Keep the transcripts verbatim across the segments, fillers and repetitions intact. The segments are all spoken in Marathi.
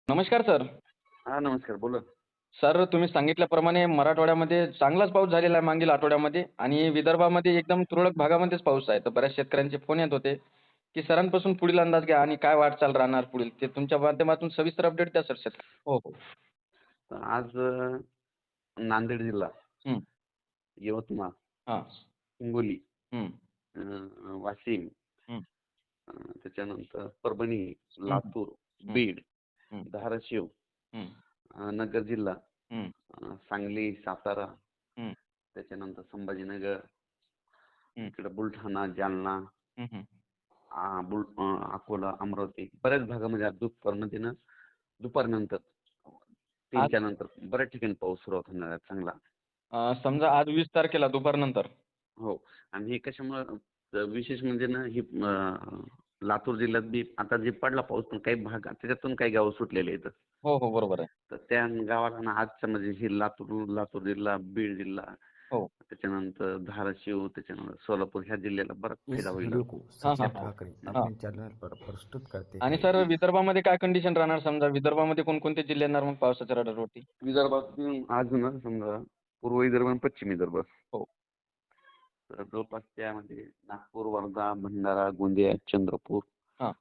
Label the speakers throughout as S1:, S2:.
S1: नमस्कार सर.
S2: हां, नमस्कार. बोला.
S1: सर तुम्ही सांगितल्याप्रमाणे मराठवाड्यामध्ये चांगलाच पाऊस झालेला आहे मागील आठवड्यामध्ये आणि विदर्भामध्ये एकदम तुरळक भागामध्येच पाऊस आहे. तर बऱ्याच शेतकऱ्यांचे फोन येत होते, की सरांपासून पुढील अंदाज घ्या आणि काय वाटचाल राहणार पुढील. ते तुमच्या माध्यमातून सविस्तर अपडेट द्या सर शेतक हो, हो.
S2: तर आज अ, नांदेड जिल्हा,
S1: हं.
S2: यवतमाळ,
S1: हां.
S2: हिंगोली,
S1: हं.
S2: अ, वाशिम,
S1: हं.
S2: अ, त्याच्यानंतर परभणी,
S1: हं, हं.
S2: लातूर,
S1: हं.
S2: बीड,
S1: हं.
S2: धाराशिव,
S1: हं.
S2: अ, नगर जिल्हा,
S1: हं.
S2: अ, सांगली, सातारा,
S1: हं.
S2: त्याच्यानंतर संभाजीनगर,
S1: हं.
S2: इकडे बुलढाणा, जालना,
S1: हं, हं.
S2: आ, बुल अ, अकोला, अमरावती बऱ्याच भागामध्ये आज दुपारमध्ये ना दुपारनंतर
S1: आज
S2: तीनच्या नंतर बऱ्याच ठिकाणी पाऊस सुरुवात होणार आहे चांगला.
S1: अ, समजा आज वीस तारखेला दुपारनंतर.
S2: हो. आणि हे कशामुळं अ, विशेष म्हणजे ना ही अ, लातूर जिल्ह्यात बी आता जे पडला पाऊस पण काही भाग त्याच्यातून काही गावं सुटलेले आहेत.
S1: हो, हो. बरोबर आहे.
S2: तर त्या गावाला ना आजच्या म्हणजे हे लातूर लातूर जिल्हा, बीड जिल्हा,
S1: हो.
S2: त्याच्यानंतर धाराशिव, त्याच्यानंतर सोलापूर ह्या जिल्ह्याला बराच
S3: इस
S2: फायदा होईल.
S3: वीडियो को
S1: हां,
S3: सचिन
S1: हां, हां.
S3: ठाकरे
S2: हं.
S1: हां.
S3: अपने चैनल पर प्रस्तुत करते
S1: आणि
S3: हैं
S1: सर
S3: इस
S1: विदर्भामध्ये काय कंडिशन राहणार समजा विदर्भामध्ये कोणकोणते जिल्हे येणार मग पावसाच्या रडारवरती?
S2: विदर्भातून आज ना समजा पूर्व विदर्भ आणि पश्चिम विदर्भ,
S1: हो.
S2: तर जवळपास त्यामध्ये नागपूर, वर्धा, भंडारा, गोंदिया, चंद्रपूर,
S1: हां.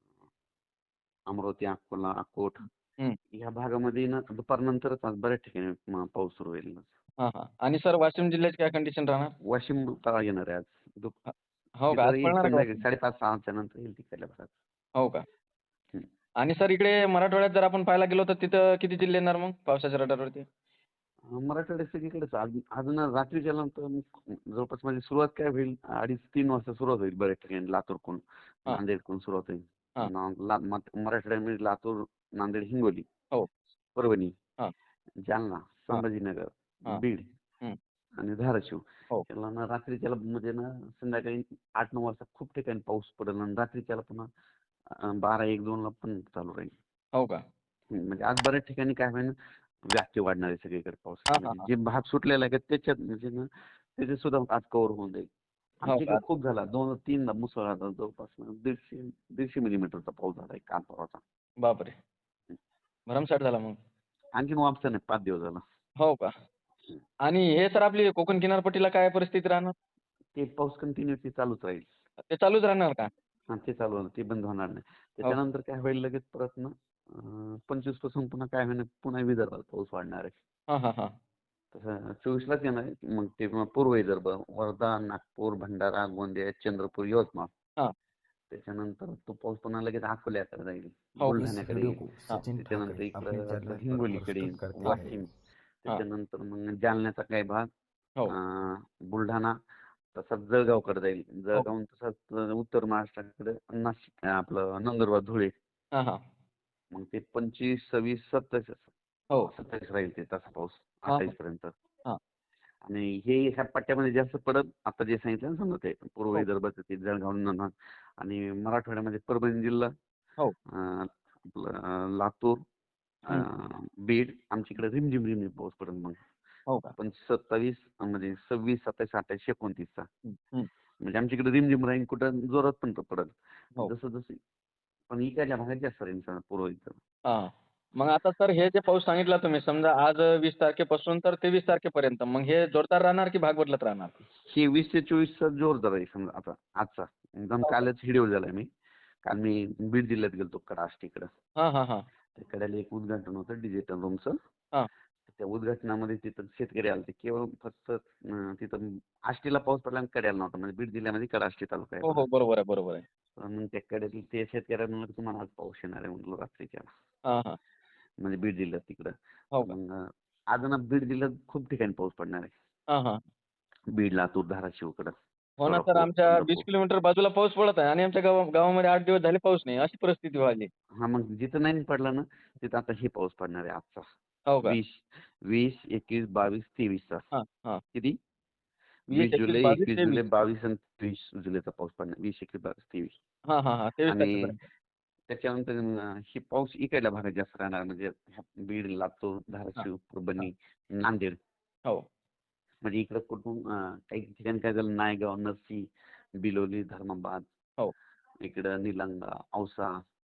S2: अमरावती, अकोला, अकोट
S1: हं.
S2: ह्या भागामध्ये ना दुपारनंतरच आज बऱ्याच ठिकाणी म पाऊस सुरू होईल.
S1: हां, हां. आणि सर वाशिम जिल्ह्याची काय कंडिशन राहणार?
S2: वाशिम तळा येणार आहे आज. दुप
S1: अ, हो का?
S2: तिथं
S1: आज
S2: येईल
S1: पडणार आहे का
S2: संध्याकाळी
S1: वाशिम?
S2: साडेपाच सहाच्या नंतर येईल तिकडल्या भागात.
S1: हो का?
S2: हं.
S1: आणि सर इकडे मराठवाड्यात जर आपण पाहायला गेलो तर तिथं किती जिल्हे येणार मग पावसाच्या रडारवरती?
S2: अ, मराठवाड्यात सगळीकडेच आज आज ना रात्रीच्या नंतर मग जवळपास म्हणजे सुरुवात काय होईल अडीच तीन वाजता सुरुवात होईल बऱ्याच ठिकाणी लातूरकडून,
S1: हां,
S2: नांदेडकडून सुरुवात होईल.
S1: हां.
S2: ना ला मत- मराठवाड्यामध्ये लातूर, नांदेड, हिंगोली,
S1: हो.
S2: परभणी,
S1: हां,
S2: जालना,
S1: हां,
S2: संभाजीनगर,
S1: हां.
S2: बीड
S1: हं.
S2: आणि धाराशिव
S1: हो.
S2: याला ना रात्रीच्याला म्हणजे ना संध्याकाळी आठ नऊ वाजता खूप ठिकाणी पाऊस पडेल आणि रात्रीच्याला पुन्हा अ, बारा एक दोन ला पण चालू राहील.
S1: हो का?
S2: हं, म्हणजे आज बऱ्याच ठिकाणी काय होईल व्याप्ती वाढणार आहे सगळीकडे
S1: हां,
S2: पावसाची.
S1: हां,
S2: म्हणजे
S1: हां.
S2: जे भाग सुटलेला आहे का त्याच्यात म्हणजे ना त्याचे सुद्धा आज कव्हर होऊन जाईल.
S1: हो
S2: आमच्या इकडे
S1: का?
S2: खूप झाला. दोन तीन मुसळधार जवळपास ना दीडशे दीडशे मिलीमीटरचा पाऊस झाला आहे काल परवाचा.
S1: बापरे! भरमसाठ झाला मग.
S2: आणखीन वापसा नाही पाच दिवस झाला.
S1: हो का?
S2: हं.
S1: आणि हे सर आपली कोकण किनारपट्टीला काय परिस्थिती राहणार?
S2: ते पाऊस कंटिन्युअसली चालूच राहील.
S1: ते चालूच राहणार का?
S2: हां, ते चालू होणार. ते बंद होणार नाही.
S1: हो.
S2: त्याच्यानंतर काय होईल लगेच परत ना अ, पंचवीस पासून पुन्हा काय होईल पुन्हा विदर्भात पाऊस वाढणार आहे.
S1: हां, हां, हां.
S2: तसं चोवीस लाच येणार आहे. मग ते मग पूर्व विदर्भ, वर्धा, नागपूर, भंडारा, गोंदिया, चंद्रपूर, यवतमाळ.
S1: हां.
S2: त्याच्यानंतर तो पाऊस पुन्हा लगेच अकोल्याकडे जाईल,
S1: हो.
S3: इस
S2: बुलढाण्याकडे
S3: वीडियो
S2: येईल.
S3: को
S1: हां,
S3: सचिन
S2: त्याच्यानंतर
S3: ठाकरे अपने
S2: इकडं आपलं
S3: चैनल पर
S2: हिंगोलीकडे येईल,
S3: प्रस्तुत करते हैं
S2: वाशिम.
S1: हां.
S2: त्याच्यानंतर मग जालन्याचा काही भाग,
S1: हो,
S2: अं, बुलढाणा, तसाच जळगावकडे जाईल.
S1: हो.
S2: जळगावून तसाच उत्तर महाराष्ट्राकडे नाशिक आपलं नंदुरबार, धुळे.
S1: हां, हां.
S2: मग ते पंचवीस, सव्वीस, सत्तावीस
S1: हो.
S2: सत्तावीस राहील ते तसा पाऊस
S1: हां,
S2: अठ्ठावीस
S1: हां.
S2: पर्यंत.
S1: हां.
S2: आणि हे ह्या पट्ट्यामध्ये जास्त पडत आता जे सांगितलं ना समजा ते पूर्व
S1: हो,
S2: विदर्भाचं ते जळगाव नंदुरबार आणि मराठवाड्यामध्ये परभणी जिल्हा,
S1: हो.
S2: अ, आपलं अ, लातूर, अ,
S1: हं.
S2: बीड आमच्या इकडे रिमझिम रिमझिम पाऊस पडेल मग.
S1: हो का?
S2: पण सत्तावीस म्हणजे सव्वीस, सत्तावीस, अठ्ठावीस, एकोणतीसचा
S1: हं, हं.
S2: म्हणजे आमच्या इकडे रिमझिम राहील कुठं जोरात पण पडेल.
S1: हो.
S2: जसं जसं पण इकडच्या भागात जास्त राहील समजा पूर्व विदर्भ.
S1: हां. मग आता सर हे जे पाऊस सांगितला तुम्ही समजा आज वीस तारखेपासून तर तेवीस तारखेपर्यंत मग हे जोरदार राहणार की भाग बदलत राहणार?
S2: हे वीस ते चोवीसचा जोरदार आहे समजा आता आजचा. एकदम
S1: हो का?
S2: कालच व्हिडिओ झालाय मी. काल मी बीड जिल्ह्यात गेलतो कडा आष्टीकडं.
S1: हां, हां, हां.
S2: त्या कड्याला एक उद्घाटन होतं डिजिटल रूमचं.
S1: हां.
S2: त्या उद्घाटनामध्ये तिथं शेतकरी आलते. केवळ फक्त अं, तिथं आष्टीला पाऊस पडला आणि कड्याला नव्हता. म्हणजे बीड जिल्ह्यामध्ये कडा आष्टी तालुका आहे
S1: हो,
S2: बघा.
S1: हो. बरोबर आहे, बरोबर आहे.
S2: पण मग त्या कड्यातील ते शेतकऱ्यांना म्हणलं तुम्हाला आज पाऊस येणार आहे म्हणलं रात्रीच्या.
S1: हां, हां.
S2: म्हणजे बीड जिल्ह्यात तिकडं.
S1: हो
S2: तर
S1: का?
S2: मग आज ना बीड जिल्ह्यात खूप ठिकाणी पाऊस पडणार आहे.
S1: हां, हां.
S2: बीड, लातूर, धाराशिवकडं,
S1: हो ना सर
S2: सोलापूर,
S1: आमच्या वीस
S2: पंढरपूर.
S1: किलोमीटर बाजूला पाऊस पडत आहे आणि आमच्या गावा गावामध्ये आठ दिवस झाले पाऊस नाही. अशी परिस्थिती व्हायली.
S2: हां, मग जिथं नाही पडला ना, तिथं आता हे पाऊस पडणार आहे आजचा.
S1: हो का?
S2: वीस, वीस, एकवीस, बावीस, तेवीस चा.
S1: हां, हां.
S2: किती?
S1: वीस,
S2: वीस
S1: एकवीस,
S2: जुलै,
S1: बावीस,
S2: एकवीस
S1: तेवीस.
S2: जुलै, बावीस आणि तेवीस जुलैचा पाऊस पडणार. वीस, एकवीस, बावीस, तेवीस.
S1: हां, हां, हां. तेवीस
S2: आणि
S1: तारखेपर्यंत.
S2: त्याच्यानंतर अ, हे पाऊस इकडल्या भागात जास्त राहणार म्हणजे ह्या बीड, लातूर,
S1: हां,
S2: धाराशिव,
S1: हां.
S2: परभणी, नांदेड.
S1: हो.
S2: म्हणजे इकडं कुठून अ, काही ठिकाणी काय झालं नायगाव, नरसी, बिलोली, धर्माबाद,
S1: हो.
S2: इकडं निलंगा, औसा,
S1: हां.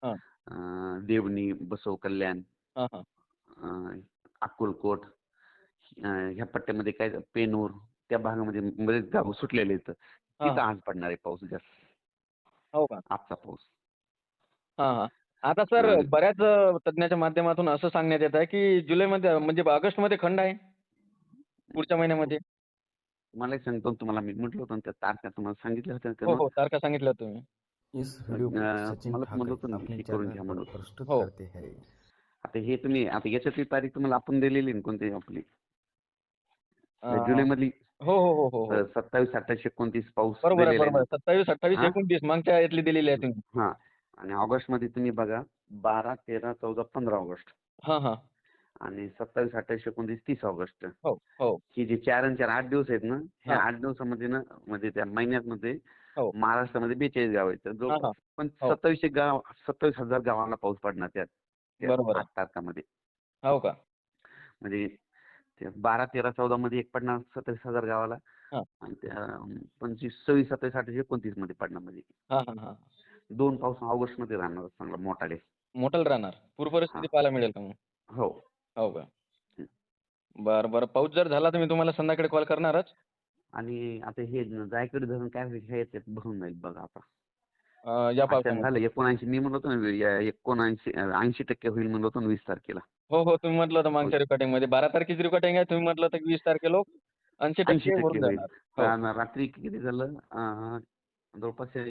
S2: अं, देवणी, बसव कल्याण,
S1: हा हा
S2: अं, अक्कलकोट, अं, ह्या पट्ट्यामध्ये काय पेनूर त्या भागामध्ये बरेच गाव सुटलेले आहेत.
S1: हा
S2: तिथं
S1: हा.
S2: आज पडणार आहे पाऊस जास्त.
S1: हो का?
S2: आजचा पाऊस.
S1: हा हा. आता सर
S2: आणि
S1: बऱ्याच अ, तज्ञाच्या माध्यमातून असं सांगण्यात येत आहे की जुलैमध्ये म्हणजे ऑगस्टमध्ये खंड आहे पुढच्या महिन्यामध्ये.
S2: मला एक सांगतो तुम्हाला, मी म्हटलं होतं ना त्या तारखा तुम्हाला सांगितल्या होत्या ना
S1: हो
S2: त्यानं.
S1: हो, तारखा सांगितल्या तुम्ही.
S3: इस वीडियो को
S2: अं,
S3: सचिन
S2: मला म्हणलं
S3: ठाकरे
S2: होतं ना
S3: अपने
S2: हे करून
S3: चैनल
S2: घ्या
S3: पर
S2: म्हणून.
S3: प्रस्तुत
S1: हो.
S3: करते हैं.
S2: आता हे तुम्ही आता याच्यातली तारीख तुम्हाला आपण दिलेली ना कोणती आपली
S1: अ,
S2: जुलैमधली
S1: हो हो हो हो हो.
S2: सत्तावीस अठ्ठावीस एकोणतीस पाऊस
S1: बरोबर आहे
S2: दिलेला आहे
S1: बरोबर
S2: ना.
S1: आहे. सत्तावीस अठ्ठावीस
S2: हा
S1: एकोणतीस मागच्या यातली दिलेली आहे तुम्ही.
S2: हा आणि ऑगस्ट मध्ये तुम्ही बघा बारा तेरा चौदा पंधरा ऑगस्ट
S1: हा हा.
S2: आणि सत्तावीस अठ्ठावीस एकोणतीस तीस ऑगस्ट
S1: हो हो.
S2: ही जी चार आणि चार आठ दिवस आहेत ना, ह्या
S1: हा.
S2: आठ दिवसामध्ये ना म्हणजे त्या महिन्यामध्ये
S1: हो.
S2: महाराष्ट्रामध्ये बेचाळीस गाव आहेत. तर
S1: हा हा.
S2: जवळपास पण
S1: हो.
S2: सत्तावीसशे गाव सत्तावीस हजार गावांना पाऊस पडणार त्या त्या
S1: बरोबर
S2: आठ
S1: आहे.
S2: तारखामध्ये.
S1: हो का?
S2: म्हणजे ते बारा तेरा चौदा मध्ये एक पडणार सत्तावीस हजार गावाला
S1: हा
S2: आणि त्या पंचवीस सव्वीस सत्तावीस अठ्ठावीस एकोणतीस मध्ये पडणार म्हणजे
S1: हा हा हा.
S2: दोन पाऊस ऑगस्ट मध्ये राहणार चांगला मोठाले.
S1: मोठं राहणार. पूर
S2: हा
S1: परिस्थिती पाहायला मिळेल का मग?
S2: हो.
S1: हो का? बरं बरं. पाऊस जर झाला तर मी तुम्हाला संध्याकाळी कॉल करणारच.
S2: आणि आता हे जायकवाडी धरण काय होईल हे याच्यात भरून जाईल बघा आता.
S1: अ, या
S2: अचानक
S1: पावसामध्ये.
S2: झालं एकोणऐंशी मी म्हणलो होतो ना या एकोणऐंशी ऐंशी टक्के होईल म्हणलो होतो ना वीस तारखेला.
S1: हो हो, तुम्ही म्हटलं होतं
S2: हो,
S1: मागच्या रेकॉर्डिंगमध्ये बारा तारखेची रेकॉर्डिंग आहे. तुम्ही म्हटलं होतं की वीस तारखेला ऐंशी
S2: ऐंशी
S1: टक्के
S2: टक्के
S1: भरून
S2: होईल.
S1: जाणार. हो.
S2: पण रात्री किती झालं अं, जवळपास